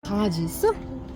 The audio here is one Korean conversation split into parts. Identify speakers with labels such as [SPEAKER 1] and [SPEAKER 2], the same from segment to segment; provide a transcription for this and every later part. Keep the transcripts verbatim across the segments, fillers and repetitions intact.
[SPEAKER 1] 강아지 있어?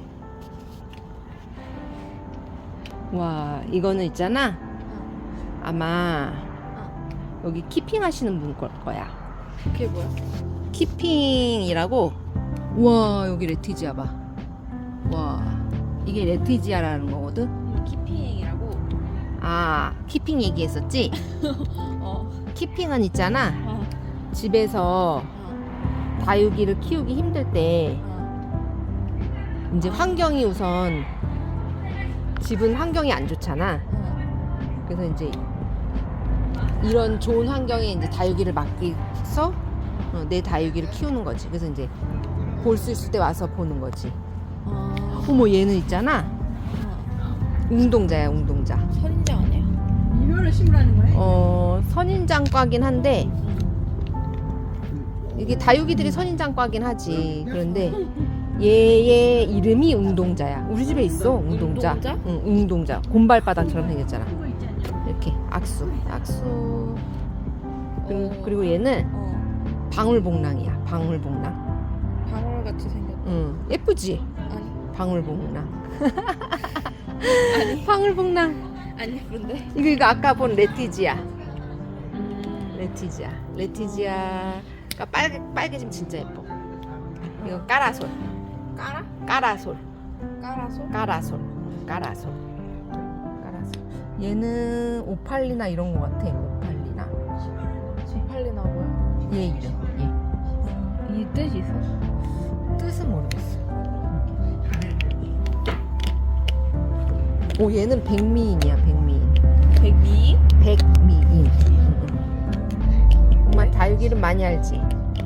[SPEAKER 1] 와, 이거는 있잖아. 아마 여기 키핑 하시는 분 걸 거야.
[SPEAKER 2] 그게 뭐야?
[SPEAKER 1] 키핑이라고. 와, 여기 레티지아 봐. 와, 이게 레티지아라는 거거든.
[SPEAKER 2] 키핑이라고?
[SPEAKER 1] 아, 키핑 얘기했었지?
[SPEAKER 2] 어.
[SPEAKER 1] 키핑은 있잖아.
[SPEAKER 2] 어.
[SPEAKER 1] 집에서
[SPEAKER 2] 어.
[SPEAKER 1] 다육이를 키우기 힘들 때
[SPEAKER 2] 어.
[SPEAKER 1] 이제 환경이 우선 집은 환경이 안 좋잖아.
[SPEAKER 2] 어.
[SPEAKER 1] 그래서 이제 이런 좋은 환경에 이제 다육이를 맡기서 어, 내 다육이를 키우는 거지. 그래서 이제 볼 수 있을 때 와서 보는 거지.
[SPEAKER 2] 어.
[SPEAKER 1] 어머, 얘는 있잖아.
[SPEAKER 2] 어.
[SPEAKER 1] 웅동자야, 웅동자.
[SPEAKER 2] 선인장 아니야?
[SPEAKER 3] 이거를 심으라는 거예요?
[SPEAKER 1] 어, 선인장과긴 한데 이게 다육이들이 선인장과긴 하지. 그런데 얘의 이름이 웅동자야. 우리 집에 있어, 웅동자.
[SPEAKER 2] 웅동자?
[SPEAKER 1] 응, 웅동자. 곰발바닥처럼 생겼잖아. 이렇게 악수, 악수. 그리고,
[SPEAKER 2] 어.
[SPEAKER 1] 그리고 얘는
[SPEAKER 2] 어.
[SPEAKER 1] 방울복랑이야. 방울복랑.
[SPEAKER 2] 방울같이 생겼다.
[SPEAKER 1] 응, 예쁘지?
[SPEAKER 2] 아니.
[SPEAKER 1] 방울복랑.
[SPEAKER 2] 아니.
[SPEAKER 1] 방울복랑.
[SPEAKER 2] 안 예쁜데?
[SPEAKER 1] 이거 이거 아까 본 레티지아.
[SPEAKER 2] 음.
[SPEAKER 1] 레티지아. 레티지아가 빨개 빨개지면 진짜 예뻐. 이거 까라솔.
[SPEAKER 2] 까라?
[SPEAKER 1] 까라솔.
[SPEAKER 2] 까라소?
[SPEAKER 1] 까라솔. 까라솔. 까라솔. 얘는 오팔리나 이런 거 같아. 오팔리나.
[SPEAKER 2] 지팔리나 뭐야?
[SPEAKER 1] 얘 이름.
[SPEAKER 2] 이 뜻이 있어?
[SPEAKER 1] 얘. 뜻은 모르겠어. 오, 얘는 백미인이야. 백미인.
[SPEAKER 2] 백미?
[SPEAKER 1] 백미인. 엄마 다육이를 많이 알지?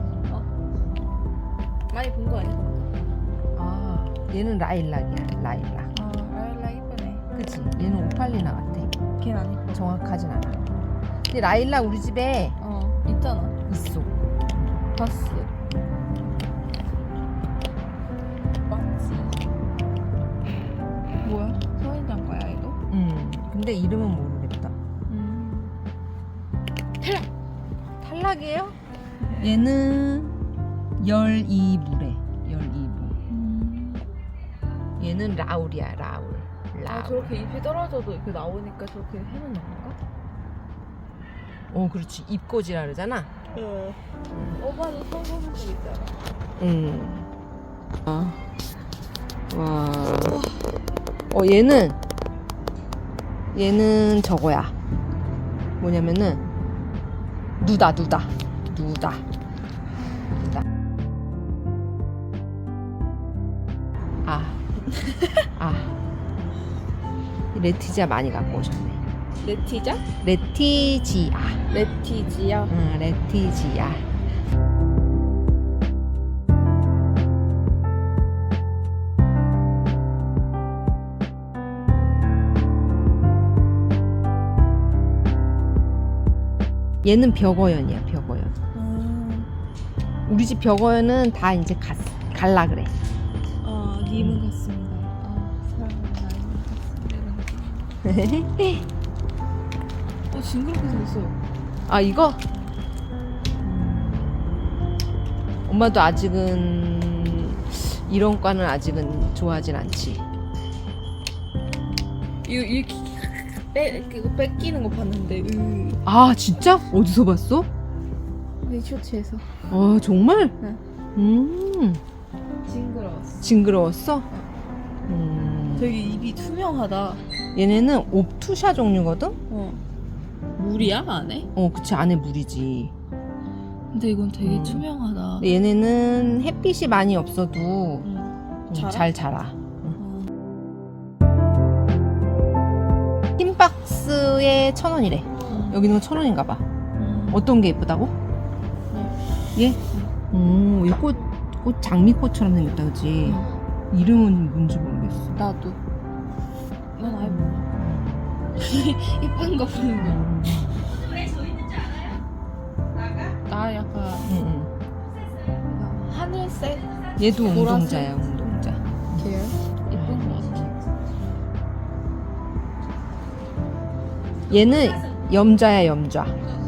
[SPEAKER 2] 많이 본 거 아니야?
[SPEAKER 1] 아, 얘는 라일락이야. 라일락.
[SPEAKER 2] 아, 라일락 이쁘네.
[SPEAKER 1] 그치? 얘는 오팔리나 같아.
[SPEAKER 2] 걔는 안 이뻐.
[SPEAKER 1] 정확하진 않아. 근데 라일락 우리 집에
[SPEAKER 2] 어, 있잖아.
[SPEAKER 1] 있어.
[SPEAKER 2] 봤어. 맞지? 뭐야? 선인장 거야 이거?
[SPEAKER 1] 음. 근데 이름은 모르겠다.
[SPEAKER 2] 음. 탈락!
[SPEAKER 1] 탈락이에요? 얘는 열이 부래. 열이 부.
[SPEAKER 2] 음.
[SPEAKER 1] 얘는 라울이야. 라울.
[SPEAKER 2] 아,
[SPEAKER 1] 라울.
[SPEAKER 2] 저렇게 잎이 떨어져도 이렇게 나오니까 저렇게 해놓는 건가?
[SPEAKER 1] 어, 그렇지. 입꼬지라 그러잖아.
[SPEAKER 2] 응. 오빠도 써보는 거 있잖아.
[SPEAKER 1] 음. 아. 와. 어, 얘는 얘는 저거야. 뭐냐면은 누다, 누다. 누다. 누다. 아. 아. 이 레티지아 많이 갖고 오셨네.
[SPEAKER 2] 레티자?
[SPEAKER 1] 레티지아.
[SPEAKER 2] 레티지야.
[SPEAKER 1] 응, 레티지아. 얘는 벽어연이야, 벽어연.
[SPEAKER 2] 음.
[SPEAKER 1] 우리 집 벽어연은 다 이제 갔, 갈라 그래.
[SPEAKER 2] 아, 님은 같습니다. 아, 사랑하는 나이는 같습니다. 어, 징그럽게 생겼어.
[SPEAKER 1] 아, 이거? 엄마도 아직은 이런 과는 아직은 좋아하진 않지.
[SPEAKER 2] 이거 이렇게 빼, 이거 뺏기는 거 봤는데, 으.
[SPEAKER 1] 아, 진짜? 어디서 봤어?
[SPEAKER 2] 내 쇼츠에서.
[SPEAKER 1] 아, 정말?
[SPEAKER 2] 응.
[SPEAKER 1] 음,
[SPEAKER 2] 징그러웠어.
[SPEAKER 1] 징그러웠어? 음,
[SPEAKER 2] 되게 입이 투명하다.
[SPEAKER 1] 얘네는 옵투샤 종류거든?
[SPEAKER 2] 어. 물이야, 안에?
[SPEAKER 1] 어, 그치, 안에 물이지.
[SPEAKER 2] 근데 이건 되게
[SPEAKER 1] 음.
[SPEAKER 2] 투명하다.
[SPEAKER 1] 근데 얘네는 햇빛이 많이 없어도
[SPEAKER 2] 응.
[SPEAKER 1] 음,
[SPEAKER 2] 자라?
[SPEAKER 1] 잘 자라.
[SPEAKER 2] 어.
[SPEAKER 1] 흰박스에 천 원이래.
[SPEAKER 2] 음.
[SPEAKER 1] 여기는 천 원인가 봐.
[SPEAKER 2] 음.
[SPEAKER 1] 어떤 게 예쁘다고? 얘? 음, 이 꽃, 꽃 장미꽃처럼 생겼다, 그치?
[SPEAKER 2] 음.
[SPEAKER 1] 이름은 뭔지 모르겠어.
[SPEAKER 2] 나도. 난 아예 몰라. 이쁜 거 보는 거.
[SPEAKER 1] 음,
[SPEAKER 2] 나 약간
[SPEAKER 1] 음,
[SPEAKER 2] 하늘색
[SPEAKER 1] 음. 얘도
[SPEAKER 2] 보라색?
[SPEAKER 1] 웅동자야, 웅동자.
[SPEAKER 2] 계열? 이쁜 거 같아.
[SPEAKER 1] 얘는 염자야, 염좌.